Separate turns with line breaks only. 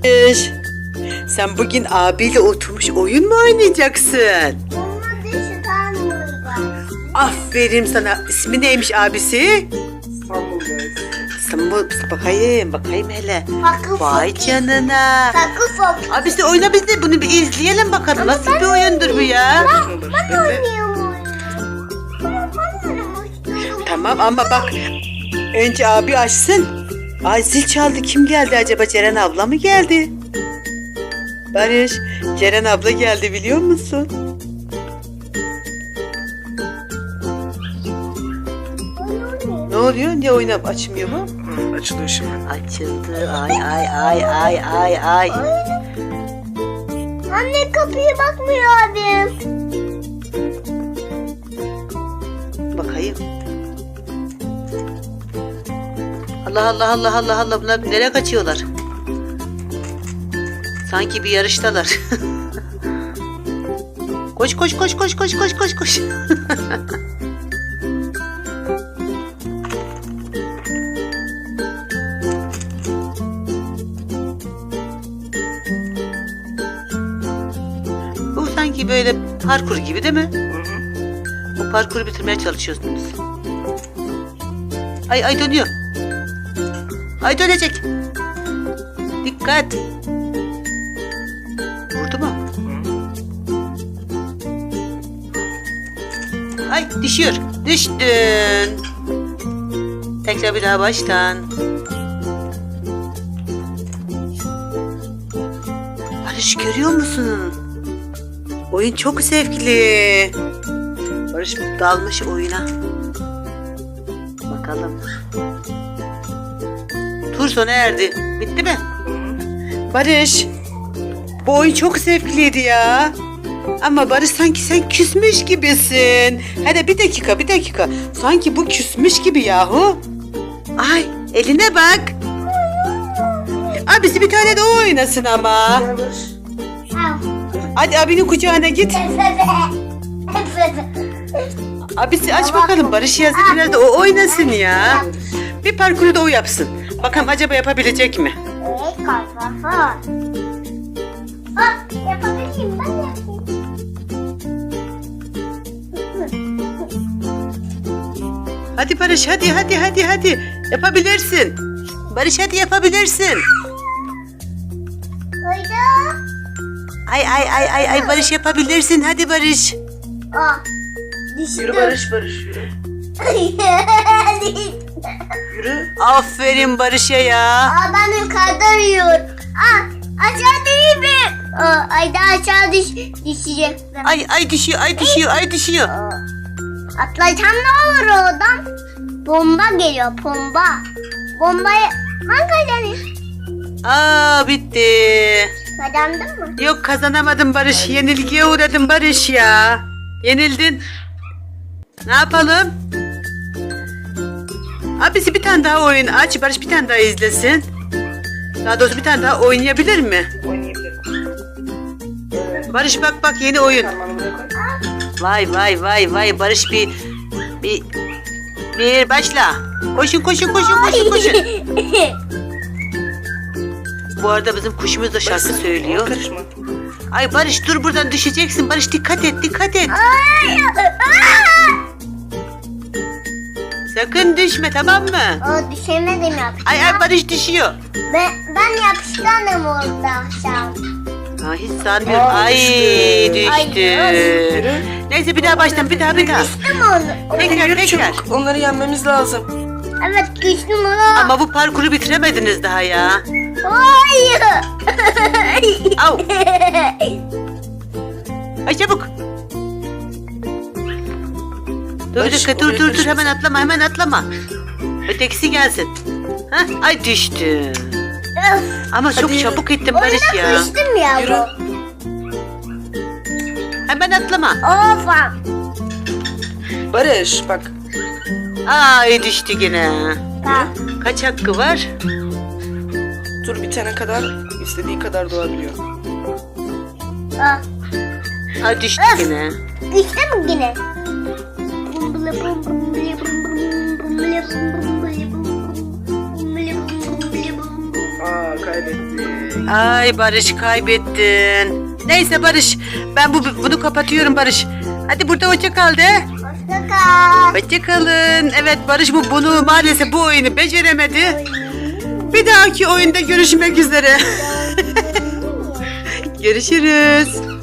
Sen bugün abiyle oturmuş oyun mu oynayacaksın?
Olmadı şu tanrıda.
Aferin sana. İsmi neymiş abisi? İstanbul. Bakayım hele.
Fakı
Vay
fakı.
canına.
Fakı fakı.
Abisi oyna, biz de bunu bir izleyelim bakalım.
Ama
Nasıl
ben
bir oyundur bu ya?
Ben oynuyorum oyunu. Ama ben oynamak
Tamam ama bak. Önce abi açsın. Ay zil çaldı. Kim geldi acaba? Ceren abla mı geldi? Barış, Ceren abla geldi biliyor musun? Ne oluyor? Niye oynayıp açmıyor mu?
Açılıyor şimdi.
Açıldı. Ay.
Anne kapıya bakmıyor abim.
Bakayım. Allah. Bunlar nereye kaçıyorlar? Sanki bir yarıştalar. Koş. Bu sanki böyle parkur gibi değil mi? Bu parkuru bitirmeye çalışıyorsunuz. Ay dönüyor. Ay dönecek. Dikkat. Vurdu mu? Ay düşüyor. Düştün. Tekrar bir daha baştan. Barış görüyor musun? Oyun çok zevkli. Barış dalmış oyuna. Bakalım. Tur sona erdi. Bitti mi? Barış. Bu oyun çok zevkliydi ya. Ama Barış sanki sen küsmüş gibisin. Hadi bir dakika. Sanki bu küsmüş gibi yahu. Ay eline bak. Abisi bir tane de o oynasın ama.
Al.
Hadi abinin kucağına git. Abisi aç bakalım. Barış yazdı biraz da o oynasın ya. Bir parkuru da o yapsın. Bakalım acaba yapabilecek mi?
Evet kalfa. Bak yapabilirim ben yapayım.
Hadi Barış hadi. Yapabilirsin. Barış hadi yapabilirsin.
Hayda.
Ay Barış yapabilirsin. Hadi Barış.
Aa. Düştüm.
Yürü Barış yürü. Yürü.
Aferin Barış'a ya.
Aa ben yukarıda arıyorum. Aa aşağı değil mi? Aa, ay daha aşağı düşecek.
Ay düşüyor.
Atlasam ne olur oradan? Bomba geliyor bomba. Bombaya ben kazanayım.
Aa bitti.
Kazandın mı?
Yok kazanamadım Barış. Yenilgiye uğradım Barış ya. Yenildin. Ne yapalım? Abisi bir tane daha oyun aç. Barış bir tane daha izlesin. Daha doğrusu bir tane daha oynayabilir mi?
Oynayabilirim.
Barış bak yeni oyun.
Parmağını buraya koy.
Vay Barış bir başla. Koşun. Bu arada bizim kuşumuz da şarkı söylüyor.
Karışma.
Ay Barış dur buradan düşeceksin. Barış dikkat et. Sakın düşme tamam mı?
O düşemedim ya.
Ay Barış düşüyor.
Ben yapışkanım orada aşağı.
Ay hiç sanmıyorum. Ay düştü.
Yürü.
Neyse bir daha baştan bir daha.
Düştüm onu.
Tekrar.
Çabuk. Onları yenmemiz lazım.
Evet düştüm onu.
Ama bu parkuru bitiremediniz daha ya.
Hayır.
Au. Ay çabuk. Dur bir
Barış,
dakika
oraya
dur
karışma
hemen atlama. Ötekisi gelsin. Hah, ay düştü. Ama çok
Hadi.
çabuk ettin Barış ya.
Oyuna kıştım ya
Yürü.
bu.
Hemen atlama.
Of.
Barış bak.
Ay düştü yine.
Bak.
Kaç hakkı var?
Tur bitene kadar istediği kadar doğabiliyor.
Bak.
Ay düştü yine.
Düştüm yine.
Aa kaybetti.
Ay Barış kaybettin. Neyse Barış ben bunu kapatıyorum Barış. Hadi burada hoşça kal de.
Hoşça kal.
Hoşça kalın. Evet Barış bunu maalesef bu oyunu beceremedi. Bir dahaki oyunda görüşmek üzere. Görüşürüz.